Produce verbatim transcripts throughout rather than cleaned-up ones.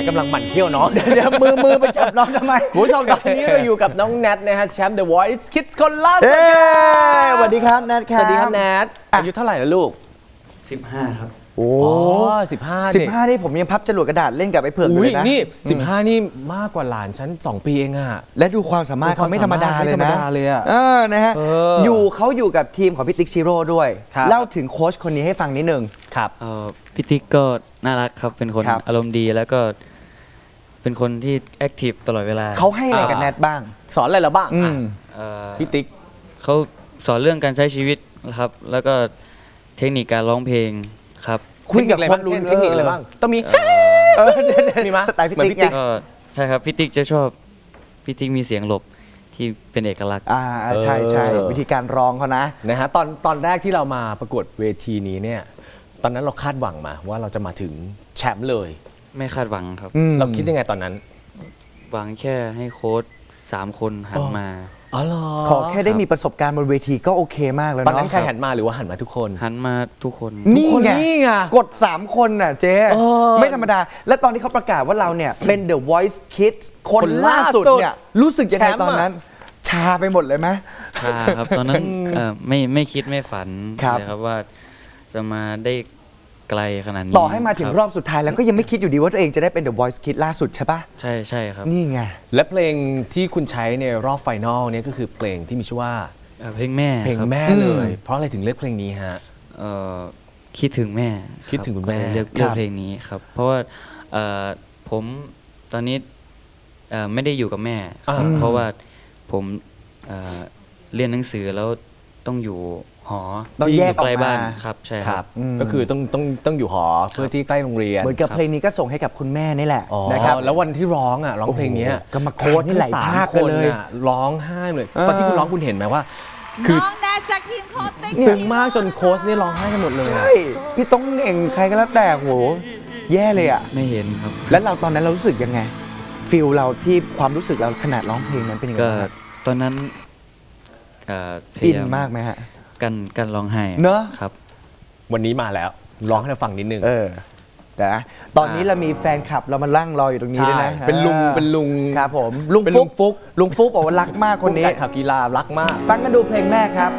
กำลังหมั่นเคี้ยวน้องเดี๋ยวมือมือไปจับน้องทำไมคุณผู้ชมตอนนี้เราอยู่กับน้องแนทนะฮะแชมป์ The Voice Kids คนล่าสุดเอ้ยสวัสดีครับแนทครับสวัสดีครับแนทอายุเท่าไหร่แล้วลูกสิบห้าครับโอ้อ๋อสิบห้าสิบห้านี่ผมยังพับจรวดกระดาษเล่นกับไอ้เผือกอยู่อุ้ยเลยนะนี่สิบห้านี่มากกว่าหลานฉันสองปีเองอะและดูความสามารถเขาไม่ธรรมดาเลยไม่ธรรมนะดาเลยอะเออนะฮะเอออยู่เขาอยู่กับทีมของพี่ติ๊กชิโร่ด้วยครับเล่าถึงโค้ชคนนี้ให้ฟังนิดนึงครับเอ่อพี่ติ๊กก็น่ารักครับ เป็นคนครับอารมณ์ดีแล้วก็เป็นคนที่แอคทีฟตลอดเวลาเขาให้อะไรกับแนทบ้างสอนอะไรเราบ้างอือ่ะมเอ่อพี่ติ๊กเขาสอนเรื่องการใช้ชีวิตครับ แล้วก็เทคนิคการร้องเพลงครับคุยกับเทคนิคอะไรคนบ้างรู้เช่นเทคนิคอะไรบ้างต้องมีเออเดี๋ยวๆมีมั้ยสไตล์พี่เหมือนติ๊กพี่ติ๊ไงกก็ใช่ครับพี่ติ๊กจะชอบพี่ติ๊กมีเสียงหลบที่เป็นเอกลักษณ์อ่าใช่ใช่เออวิธีการร้องเขานะนะฮะตอนตอนแรกที่เรามาประกวดเวทีนี้เนี่ยตอนนั้นเราคาดหวังมาว่าเราจะมาถึงแชมป์เลยไม่คาดหวังครับอืมเราคิดยังไงตอนนั้นหวังแค่ให้โค้ชสามคนหันอ๋อมาอ๋อเหรอขอแค่ได้มีประสบการณ์บนเวทีก็โอเคมากแล้วตอนเนาะนั้นใครหันมาหรือว่าหันมาทุกคนหันมาทุกคนนี่ทุกคนไงนี่ไงกด สาม คนน่ะเจ๊เออไม่ธรรมดา และตอนที่เขาประกาศว่าเราเนี่ย เป็น The Voice Kids คนคนล่าล่าสุสุดดเนี่ย รู้สึกยังไงแชมป์ตอนนั้น ชาไปหมดเลยไหมชาครับ ตอนนั้นเอ่อไม่ไม่คิดไม่ฝันครับเลยครับว่าจะมาได้ไกลขนาดนี้ต่อให้มาถึงครอบสุดท้ายแล้วก็ยังไม่คิดอยู่ดีว่าตัวเองจะได้เป็น The Voice Kids ล่าสุดใช่ปะใช่ใช่ครับนี่ไงและเพลงที่คุณใช้ในรอบไฟนอลเนี่ยก็คือเพลงที่มีชื่อว่าเอ่อเพลงแม่เพลงครับแม่อืมเลย เพราะอะไรถึงเลือกเพลงนี้ฮะเอ่อคิดถึงแม่คิดถึงคุณแม่รับก็เลยเลือกครับเลือกเพลงนี้ครับ เพราะว่าเอ่อผมตอนนี้เอ่อไม่ได้อยู่กับแม่อ่าครับเพราะว่าผมเอ่อเรียนหนังสือแล้วต้องอยู่หอต้องที่แยกใกล้ออกมาบ้านครับใช่คครัรับบอืมก็คือต้องต้องต้องอยู่หอเพื่อที่ใกล้โรงเรียนเหมือนกับเพลงนี้ก็ส่งให้กับคุณแม่นี่แหละอ๋อนะครับแล้ววันที่ร้องอ่ะร้องเพลงเนี้ยโอ้โหกรรมการโค้ชนี่หลายทั้งสมภาคคนเลยน่ะร้องไห้เลยเออตอนที่คุณร้องคุณเห็นไหมว่า คือน้องแนทจากทีมโค้ชติ๊กซึ้งมากจนโค้ชนี่ร้องไห้กันหมดเลยใช่ พี่ต้องเองใครก็แล้วแต่โหแย่เลยอ่ะไม่เห็นครับแล้วเราตอนนั้นเรารู้สึกยังไงฟิลเราที่ความรู้สึกเราขนาดร้องเพลงนั้นเป็นยังไงก็บ้างครับตอนนั้นเอ่อพอิยาน ยามมากไหมฮะกันกันร้องไห้เนอะครับวันนี้มาแล้วร้องให้เราฟังนิดนึงเออนะตอนนี้เรามีแฟนคลับเรามาลั่งรออยู่ตรงนี้ด้วยนะใช่เป็นลุงออเป็นลุงครับผมลุงเป็นฟุลุกงฟุกลุงฟุกบอกว่ารักมากคนนี้ผู้จัดข่าวกีฬารักมากฟังกันดูเพลงแม่ครับ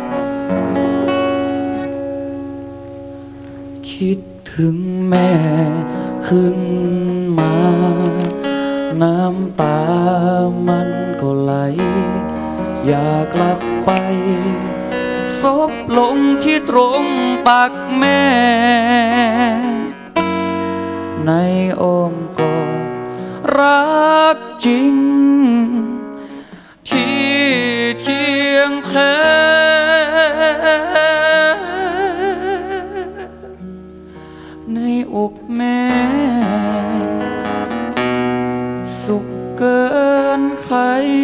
คิดถึงแม่ขึ้นมา น้ำตามันก็ไหล อยากกลับไปซบลงที่ตรงตักแม่ ในอ้อมกอดรักจริง ที่เคียงแท้ในอกแม่ สุขเกินใคร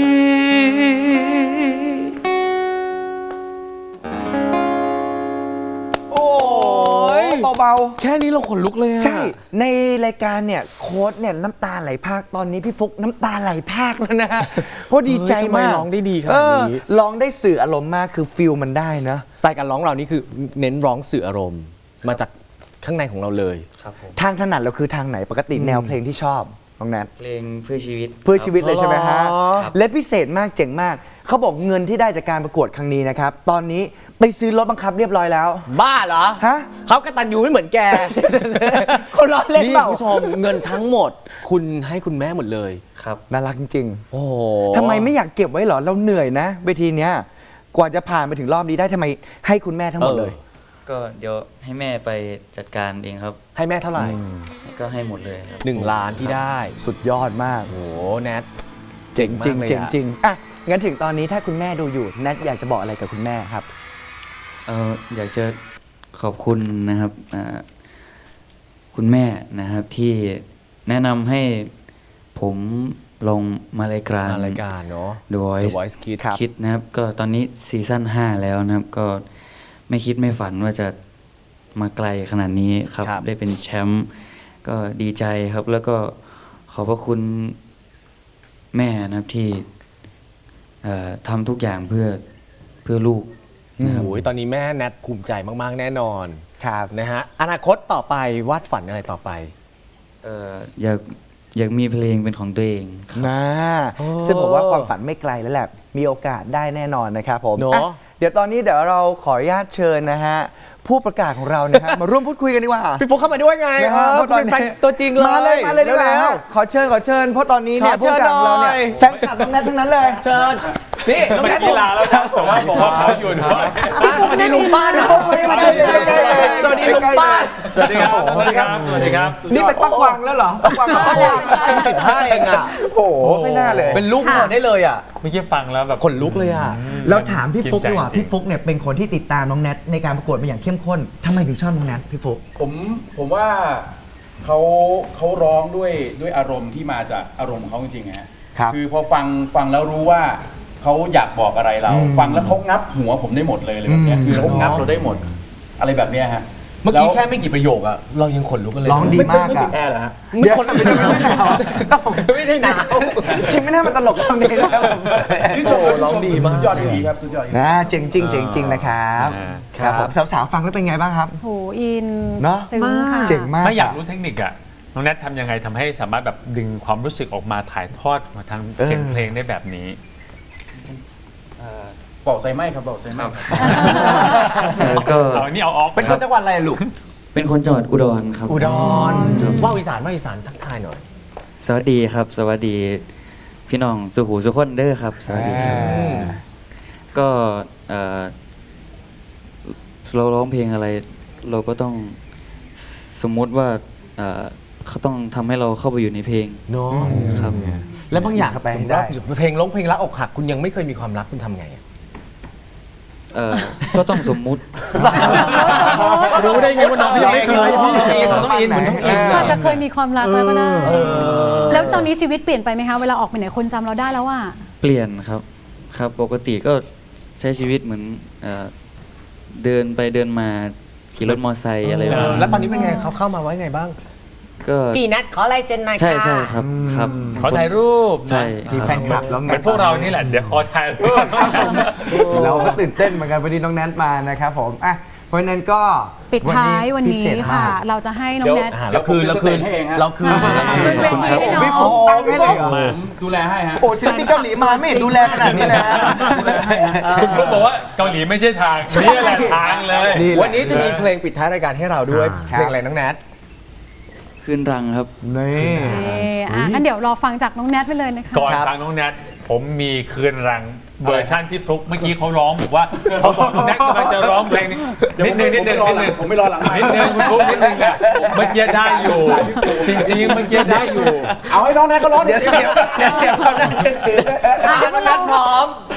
โอ้ยเบาแค่นี้เราขนลุกเลยอะๆ ใช่ ในรายการเนี่ยโค้ดเนี่ยน้ำตาไหลพรากตอนนี้พี่ฟุกน้ำตาไหลพรากแล้วนะ เพราะดีใจเฮ้ยทำไมมากร้องได้ดีขนาดเออนี้ร้องได้สื่ออารมณ์มากคือฟิลมันได้นะสไตล์การร้องเรานี่คือเน้นร้องสื่ออารมณ์ มาจากข้างในของเราเลยครับผมทางถนัดเราคือทางไหนปกติแนวเพลงที่ชอบน้องแนทเพลงเพื่อชีวิตเพื่อชีวิตเลยใช่ไหมฮะอ๋อและพิเศษมากเจ๋งมาก เขาบอกเงินที่ได้จากการประกวดครั้งนี้นะครับ ตอนนี้ไปซื้อรถบังคับเรียบร้อยแล้วบ้าเหรอฮะเขากระตันยูไม่เหมือนแกคนล้อเล่นเปล่าคุณผู้ชมเงินทั้งหมด คุณให้คุณแม่หมดเลยครับน่ารักจริงโอ้โหๆทำไมไม่อยากเก็บไว้เหรอ เราเหนื่อยนะเวทีเนี้ย กว่าจะผ่านไปถึงรอบนี้ได้ทำไมให้คุณแม่ทั้งหมดเลยก็เดี๋ยวให้แม่ไปจัดการเองครับให้แม่เท่าไหร่ก็ให้หมดเลยครับหนึ่งล้านที่ได้สุดยอดมากโอ้โหแนทเจ๋งจริงมากเลยเจ๋งอะจริงอ่ะงั้นถึงตอนนี้ถ้าคุณแม่ดูอยู่แนทอยากจะบอกอะไรกับคุณแม่ครับเอออยากจะขอบคุณนะครับอ่าคุณแม่นะครับที่แนะนำให้ผมลงมารายการมารายการเนาะ The Voice The Voice Kids ครับคิดนะครับ ก็ตอนนี้ซีซั่นห้าแล้วนะครับ ก็ไม่คิดไม่ฝันว่าจะมาไกลขนาดนี้ครับครับได้เป็นแชมป์ก็ดีใจครับ แล้วก็ขอบพระคุณแม่นะครับที่เอ่อทำทุกอย่างเพื่อเพื่อลูกโอ้โหตอนนี้แม่แนทภูมิใจมากๆแน่นอนครับนะฮะอนาคตต่อไปวาดฝันอะไรต่อไปเอ่ออยากอยากมีเพลงเป็นของตัวเองนะซึ่งผมว่าความฝันไม่ไกลแล้วแหละมีโอกาสได้แน่นอนนะครับผมเนอะอ่ะเดี๋ยวตอนนี้เดี๋ยวเราขออนุญาตเชิญนะฮะผู้ประกาศของเรานะฮะ มาร่วมพูดคุยกันดีกว่าพี่ฟุกเข้ามาด้วยไงนะเอฮะอเพราะตอนเป็นนี้แฟนตัวจริงเลยมาเลยมาเลยดีกว่าร็ฮะวขอเชิญขอเชิญเพราะตอนนี้เนี่ยขอเชิผู้ญประกาศของเราเนี่ยหน่อยแฟนคลับทั้งนั้นทั้งนั้นเลยเชิญนี่น้องเป็นแนทกีฬาแล้วนะแต่ว่าบอกว่าเขาอยู่ด้วยอ่ะสวัสดีลุงป้านะใกล้เลยใกล้เลยสวัสดีลุงป้าสวัสดีครับสวัสดีครับสวัสดีครับนี่เป็นปักวังแล้วเหรอปักวังป้าวางให้สิบห้าเองอ่ะโอ้โหไม่น่าเลยเป็นลูกหัวได้เลยอ่ะเมื่อกี้ฟังแล้วแบบขนลุกเลยอ่ะเราถามพี่ฟุกดีกว่าจริงๆพี่ฟุกเนี่ยเป็นคนที่ติดตามน้องแนทในการประกวดมาอย่างเข้มข้นทำไมถึงชอบน้องแนทพี่ฟุกผมผมว่าเขาเขาร้องด้วยด้วยอารมณ์ที่มาจากอารมณ์ของเขาจริงๆนะฮะครับคือพอฟังฟังแล้วรู้ว่าเขาอยากบอกอะไรเรา ฟังแล้วเขางับหัวผมได้หมดเลยอะไรแบบเนี้ยอืมคือเขางับเราได้หมด อะไรแบบเนี้ยฮะเมื่อกี้ล้วแค่ไม่กี่ประโยคอะเรายังขนลุกกันเลยร้องดีมากไม่อะปิดแอร์เหรอฮะไม่คนไม่ได้หนาวไม่ได้หนาวจริงไม่น่ามันตลกตรงนี้นะครับผมชื่นชมโอ้ครับร้องดีมากสุดยอดดีครับสุดยอดจริงนะเจ๋งจริงเจ๋งจริงนะครับอ่าครับผมสาวๆฟังแล้วเป็นไงบ้างครับโหอินเนอะซึ้งค่ะเจ๋งมากไม่อยากรู้เทคนิคอะน้องแนททำยังไงทำให้สามารถแบบดึงความรู้สึกออกมาถ่ายทอดมาทางเสียงเพลงได้แบบนี้เป่าไซไหม้ครับเป่าไซไหม้แล้วก็เอาอันนี้เอาออกเป็นคนจังหวัดอะไรอะลูกเป็นคนจังหวัดอุดรครับอุดรครับว่าวอีสานว่าวอีสานทักทายหน่อยสวัสดีครับ สวัสดีพี่น้องสุขูสุขคนเด้อครับ สวัสดีครับ ก็เอ่อเราร้องเพลงอะไร เราก็ต้องสมมุติว่าเอ่อเขาต้องทำให้เราเข้าไปอยู่ในเพลงเนาะครับแล้วบางอย่างเข้าไปสมมติได้ว่าเพลงร้องเพลงรักอกหักคุณยังไม่เคยมีความรักคุณทำไงอะเอ่อก็ต้องสมมุติรู้ได้ไงว่าน้องยังไม่เคยพี่มันต้องอินมันต้องอินอาอะจจะเคยมีความรักแล้วก็ได้ แล้วตอนนี้ชีวิตเปลี่ยนไปไหมคะ เวลาออกไปไหนคนจำเราได้แล้วว่าเปลี่ยนครับ ครับ ปกติก็ใช้ชีวิตเหมือนเอ่อเดินไปเดินมาขี่รถมอเตอร์ไซค์อะไรแบบนั้นแล้วตอนนี้เป็นไงเขาเข้ามาไว้ไงบ้างก็พี่นัทขอลายเซ็นหน่อยใช่ค่ะใช่ครับครับขอถ่ายรูปนะใช่มีแฟนคลับแล้วไงเหมือนพวกเรานี่แหละเดี๋ยวขอถ่ายรูปเราก็ตื่นเต้นเหมือนกันวันนี้น้องแนทมานะครับผมอ่ะเพราะฉะนั้นก็ปิดท้ายวันพินี้เศษค่ะมากเราจะให้น้องแนทอ่าเราคืนเราคืนให้เองฮะเราคืนอ่าเราคืนเป็นเวทีให้น้องพี่ฟุกตั้งให้เลยเหรอผมดูแลให้ฮะโอ้ศิลปินเกาหลีมาไม่เห็นดูแลขนาดนี้เลยฮะคุณครูบอกว่าเกาหลีไม่ใช่ทางนี่แหละทางเลยนี่วันนี้จะมีเพลงปิดท้ายรายการให้เราด้วยครับเพลงอะไรน้องแนทขึ้นรังครับนี่เอ่ออ่ะงั้นเดี๋ยวรอฟังจากน้องแนทไปเลยนะคะก่อนครับฟังน้องแนทผมมีคืนรังเวอร์ชันพี่ฟลุ๊กเมื่อกี้เขาร้องบอกว่าเขาบอกน้องแนทกำลังจะร้องเพลงนี้นิดนึงนิดนึงนิดนึงผมไม่รอหลังไมค์นิดนึงคุณฟลุ๊กนิดนึงอะเมื่อกี้ได้อยู่ จริงๆเมื่อกี้ได้อยู่เอาให้น้องแนทเขาร้องเดี๋ยวสิเดี๋ยวเดี๋ยวเดี๋ยวเขาน่าเชื่อถืออ่ะน้องแนทพร้อม